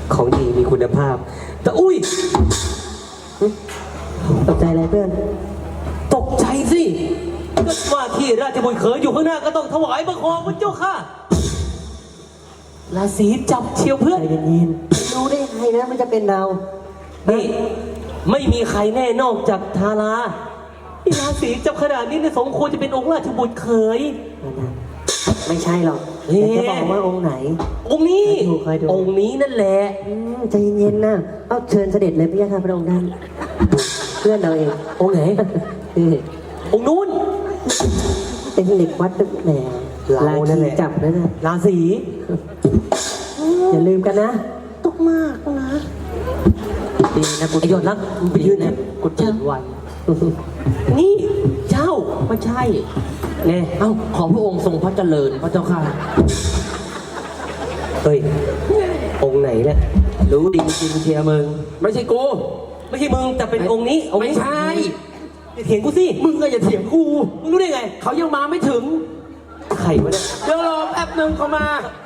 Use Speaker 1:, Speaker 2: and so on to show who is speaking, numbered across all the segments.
Speaker 1: ของดีมีคุณภาพ แต่อุ้ย
Speaker 2: ตกใจอะไรเพื่อน
Speaker 1: ตกใจสิก็ว่าที่ราชบุตรเขยอยู่ข้างหน้าก็ต้องถวายบังคมพระเจ้าค่ะราศีจับเชียวเพื่อน
Speaker 2: ใจเย็นๆรู้ได้ไงนะมันจะเป็นเรา
Speaker 1: นี่ไม่มีใครแน่นอกจากทาราที่ราศีจับขนาดนี้เนี่ยสมควรจะเป็นองค์ราชบุตรเขย
Speaker 2: ไม่ใช่หรอกแต่จะบอกว่าองค์ไหน
Speaker 1: องค์นี้
Speaker 2: เคยดู
Speaker 1: องค์นี้นั่นแหละ
Speaker 2: ใจเย็นๆนะเอาเชิญเสด็จเลยพี่ยาค่ะพระองค์ท่านเพื่อนเราเอง
Speaker 1: องค์ไหนองค์นู้น
Speaker 2: เป็นเหล็กวัดตึกแหน่ราศีจับนะนะ
Speaker 1: ราศี
Speaker 2: อย่าลืมกันนะ
Speaker 1: ตกมากนะ
Speaker 2: ดีนะกู
Speaker 1: ไอยอดรักไปยืนนะกูเจอวันนี่เจ้าไม่ใช่เนี่ยเอ้าขอพระองค์ทรงพระเจริญพระเจ้าค่ะเฮ้ยองค์ไหนเนี่ยรู้ดีจริงเชียร์มึงไม่ใช่กูไม่ใช่มึงแต่เป็นองค์นี้ไม่ใช่อย่าเถียงกูสิมึงก็อย่าเถียงกูมึงรู้ได้ไงเขายังมาไม่ถึงใครวะเนี่ยเดี๋ยวรอแป๊บนึงเขามา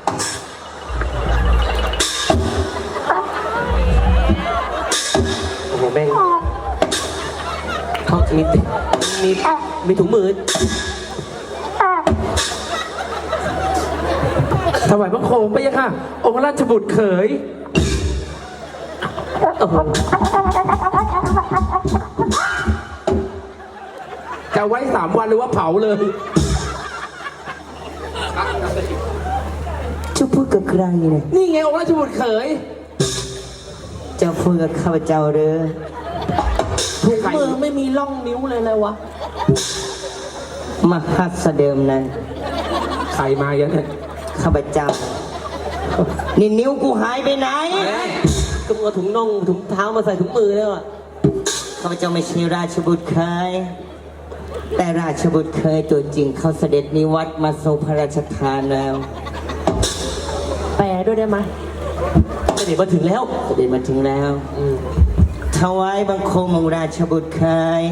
Speaker 1: โอ้โหแม่งเขามีถุงมือ
Speaker 3: ถวายบังคมไปยังค่ะองค์ราชบุตรเขยจะไว้3 วันหรือว่าเผาเลย
Speaker 2: จะพูดกับใครเนี่ย
Speaker 3: นี่ไงองค์ราชบุตรเขย
Speaker 2: จะพูดกับข้าพเจ้าเด้อ
Speaker 1: ถุงมือไม่มีร่องนิ้วเลยเลยวะ
Speaker 2: มหัศเดิมนั้น
Speaker 3: ใครมาอย่างนั้น
Speaker 2: ข้าพเจ้านี่นิ้วกูหายไปไหน
Speaker 1: ก็มึงเอาถุงน่องถุงเท้ามาใส่ถุงมือแล้วอ่ะ
Speaker 2: ข้าพเจ้าไม่ใช่ราชบุตรเคยแต่ราชบุตรเคยตัวจริงเขาเสด็จนิวัตมาทรงพระราชทานแล้ว
Speaker 1: แปลด้วยได้ไหมเสด็จมาถึงแล้ว
Speaker 2: เสด็จมาถึงแล้วถวายบังคมองค์ราชบุตรเคย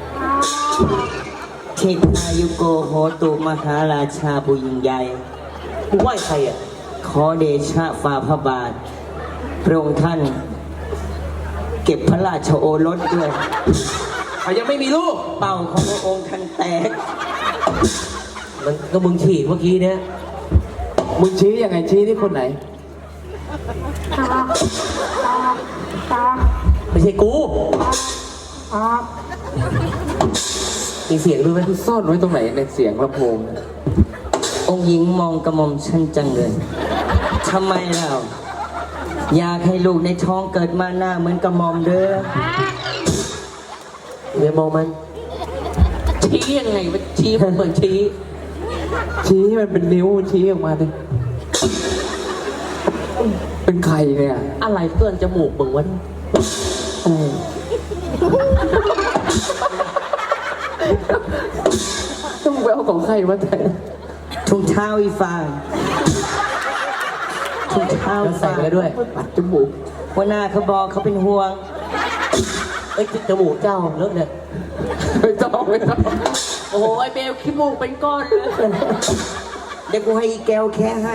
Speaker 2: เทพายุโกโหตุมหาราชาผู้ยิ่งใหญ่
Speaker 1: มึงไหว้ใครอ่ะ
Speaker 2: ขอเดชะฝ่าพระบาทพระองค์ท่านเก็บพระราชโอรสด้วย
Speaker 3: เขายังไม่มีลูก
Speaker 2: เป่าของพระองค์ท่านแตก
Speaker 1: มันก็มึงฉีกเมื่อกี้เนี่ย
Speaker 3: มึงชี้ยังไงชี้ที่คนไหน
Speaker 1: ไม่ใช่กูมีเสียงด้วยไหม
Speaker 3: ซ่อนไว้ตรงไหนในเสียงลำโพง
Speaker 2: องค์หญิงมองกระหม่อมฉันจังเลยทำไมเราอยากให้ลูกในท้องเกิดมาหน้าเหมือนกระหม่อมเด้อ
Speaker 1: เดี๋ยวมองมันชี้ยังไงมันชี้เหมือนชี้
Speaker 3: มันเป็นนิ้วชี้ออกมาเลยเป็นใครเนี่ย
Speaker 1: อะไรเพื่อนจมูกมึงวะ
Speaker 3: ต้องไปเอาของใครมาแต่
Speaker 2: ถุงเท้าอีฟางถุงเท้า
Speaker 1: ใส่ไปด้วย
Speaker 3: ปัดจมูก
Speaker 2: หัวหน้าเขาบอกเขาเป็นห่วง
Speaker 1: จมูกเจ้าเลิกเนี่ย
Speaker 3: ไม่ต้อง
Speaker 1: โอ้ยเบลขี้มูกเป็นก้อนเลย
Speaker 2: เดี๋ยวกูให้อีแก้วแค่ให้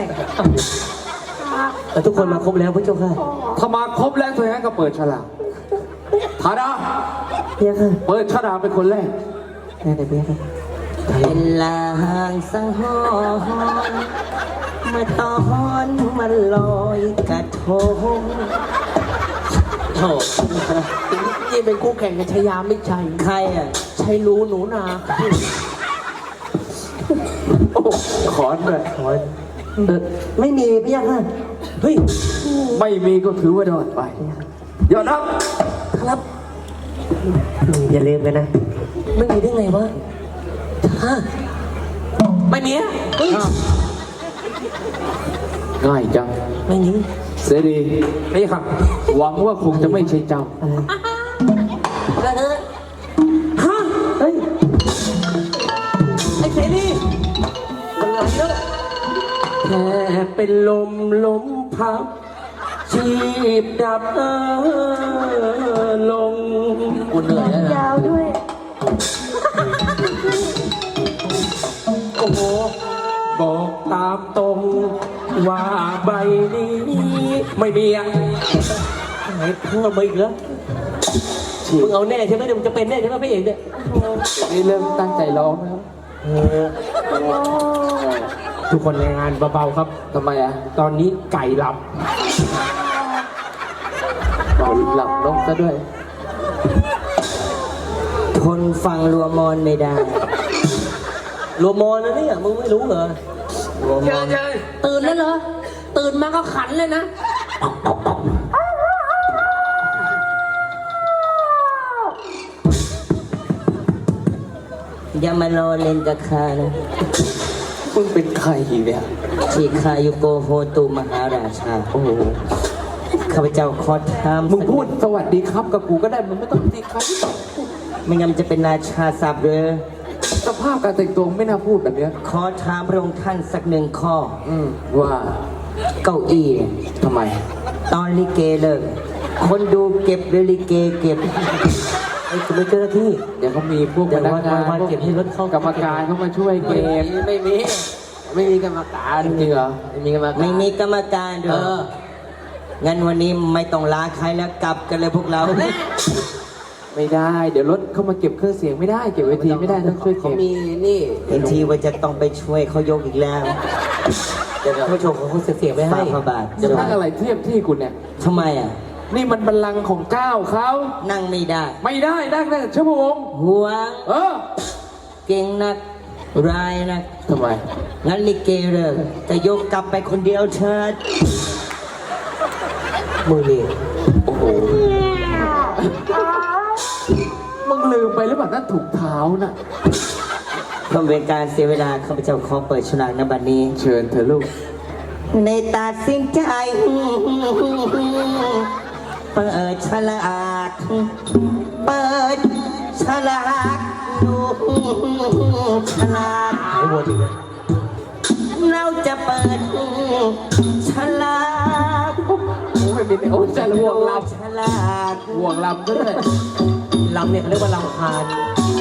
Speaker 1: ทุกคนมาครบแล้วพระเจ้าค่ะ
Speaker 3: ถ้ามาครบแล้วตัวนี้ก็เปิดฉลากธาดาเปิดฉลากเป็นคนแรก
Speaker 2: ได้เลยเพื่อนเป็นลางสังหรณ์เมื่อตอนมันลอยกระทง
Speaker 1: โถ่นี่เป็นคู่แข่งกับชายาไม่ใช่
Speaker 2: ใครอ่ะ
Speaker 1: ใช่รู้หนูนา
Speaker 3: ขอนเลยขอน
Speaker 2: ไม่มีพี่ยักษ์
Speaker 1: เฮ้ย
Speaker 3: ไม่มีก็ถือว่าโดนไปยอดรับ
Speaker 1: ครับ
Speaker 2: อย่าลืมกันนะ
Speaker 1: ไม่มีได้ไงวะไม่มีอ่ะ
Speaker 3: ง่ายจัง
Speaker 1: ไม่มี
Speaker 3: เสรีนี่ครับหวังว่าคงจะไม่ใช่เจ้า
Speaker 1: ฮะเฮ้ยไอ้เสรีอะไรแล้วแค่เป็นลมพับชีพดับลงกูเหนื่อยแล้วนะ
Speaker 2: ยาวด้วย
Speaker 1: โอ้โหบอกตามตรงว่าใบนี้ไม่มีอะ
Speaker 2: ไหนเพิ่มมาอีกแล้วมึงเอาแน่ใช่ไหมเดี๋ยวมึงจะเป็นแน่ใช่ไหมพระเอกเนี่ย
Speaker 3: นี่เริ่มตั้งใจร้องแล้ว
Speaker 1: ทุกคนในงานเบาๆครับ
Speaker 3: ทำไมอ่ะ
Speaker 1: ตอนนี้ไก่หลับ
Speaker 3: หลับลงซะด้วย
Speaker 2: ทนฟังรัวมอนไม่ได้รัวมอนนะเนี่ยมึงไม่รู้เหรอรัวมอน
Speaker 4: ตื่นแล้วเหรอ ตื่นมาก็ขันเลยนะ
Speaker 2: อย่ามารอเล่นกับข้านะ
Speaker 3: มึงเป็นใครเนี่ย
Speaker 2: ชีคายุโกโฮตุมหาราชา
Speaker 3: โอ้โห
Speaker 2: ข้าพเจ้าขอถาม
Speaker 3: มึงพูดสวัสดีครับกับกูก็ได้ มึงไม่ต้องดีครับ
Speaker 2: ไม่งั้นจะเป็นราชาศัพท์เลย
Speaker 3: สภาพการแต่งตัวไม่น่าพูดแบบเนี้ย
Speaker 2: ขอถามพระองค์ท่านสักหนึ่งข้อ
Speaker 3: ว่า
Speaker 2: เก้าอี้เนี่ย
Speaker 3: ทำไม
Speaker 2: ตอนลิเกเลิกคนดูเก็บหรือลิเกเก็บไอ้คุณเป็นเจ้าหน้าที่
Speaker 3: เดี๋ยวเขามีพวก
Speaker 2: เดี๋
Speaker 3: พ
Speaker 2: ยว
Speaker 3: นักงาน
Speaker 2: วันๆเก็บให้รถเข้าก
Speaker 3: รรมการเข้ามาช่วยเกม
Speaker 2: ไม่มีกรรมการ
Speaker 3: จริงเหรอ
Speaker 2: ไม่มีกรรมการด้วยงั้นวันนี้ไม่ต้องลาใครแล้วกลับกันเลยพวกเรา
Speaker 3: ไม่ได้ เดี๋ยวรถเข้ามาเก็บเครื่องเสียงไม่ได้ เก็บเวทีไม่ได้ต้องช่วยเก็บ
Speaker 2: เห็นทีว่าจะต้องไปช่วยเขายกอีกแล้ว
Speaker 4: เดี๋ยวผู้ชมของคุณเสียไปให้
Speaker 2: ฝากพระบาท
Speaker 3: จะนั่งอะไรเทียบที่กูเนี่ย
Speaker 2: ทำไมอ่ะ
Speaker 3: นี่มันบัลลังก์ของเก้าเขา
Speaker 2: นั่งไม่ได้
Speaker 3: ไม่ได้นั่งได้ชั่วโมง
Speaker 2: ห่วง
Speaker 3: เออ
Speaker 2: เก่งนักร้ายนัก
Speaker 3: ทำไม
Speaker 2: งั้นลิเกเลิกจะยกกลับไปคนเดียวเชิดมือนี่
Speaker 3: โอ้โห มึงลืมไปหรือเปล่านั่นถูกเท้าน่ะ
Speaker 2: เพื่อเป็นการเสียเวลาข้าพเจ้าขอเปิดฉลากในบัดนี้
Speaker 3: เชิญเธอลูก
Speaker 2: ในตัดสินใจเปิดฉลากเปิดฉลากดูฉลากเราจะเปิดฉลาก
Speaker 3: โอ้ยเป็นโอ้ยจะห่วงล
Speaker 2: ฉลาก
Speaker 3: ำห่วงลำด้วย
Speaker 2: ลำเนี่ยเขาเรียกว่าลำคาญ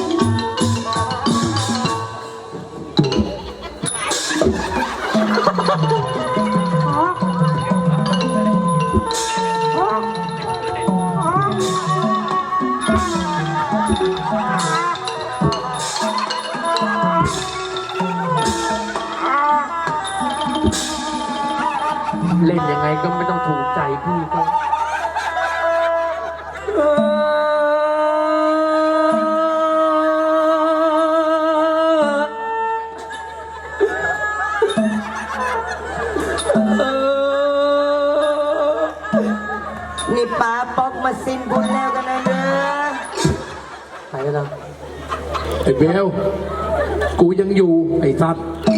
Speaker 1: เล่นยังไงก็ไม่ต้องถูกใจพี่ก็
Speaker 2: นี่ป้าป๊อกมาสิ้นบุญแล้วกันนะเด้อ
Speaker 1: ไปแล้วนะ
Speaker 3: ไอ้เบล กูยังอยู่ไอ้สัตว์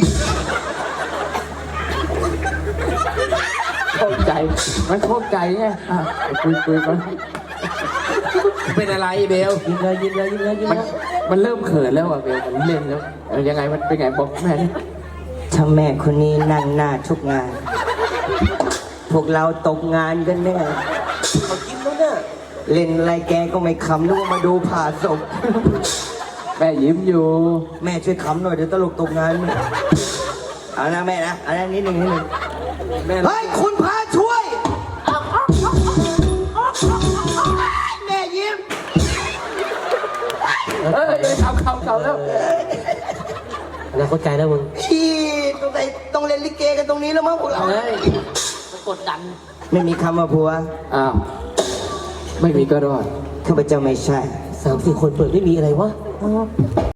Speaker 3: เข้าใจ มันเข้าใจไงอ่ะคุยมันเป็นอะไรเบล
Speaker 2: ยิงเลยยิงเลยยิงเลยยิง
Speaker 3: มัน
Speaker 2: เลย
Speaker 3: มันเริ่มเขินแล้วอ่ะเบล มันเล่นแล้วยังไงมันเป็นไงบอกแม่ดิ
Speaker 2: ถ้าแม่คนนี้นั่งหน้าทุกงาน พวกเราตกงานกันแน่เขากินแล้วเนี่ยเล่นอะไรแกก็ไม่ขำนึกว่ามาดูผ่าศพ
Speaker 3: แม่ยิ้มอยู่
Speaker 2: แม่ช่วยขำหน่อยเดี๋ยวตลกตกงานเอานะแม่นะเอานะนิดหนึ่งเฮ้ยคุณพาช่วยแม่ยิ้ม
Speaker 3: เขาแล้ว
Speaker 1: แล้วเข้าใจแล้วมึง
Speaker 2: พี่ต้องเล่นลิเกกันตรงนี้แล้วมั้งพวกเรา
Speaker 4: กดดัน
Speaker 2: ไม่มีคำว่าผัว
Speaker 3: อ้าว ไม่มีก็รอด
Speaker 2: ข้าพเจ้าไม่ใช่
Speaker 1: 3-4 คนเปิดไม่มีอะไรวะ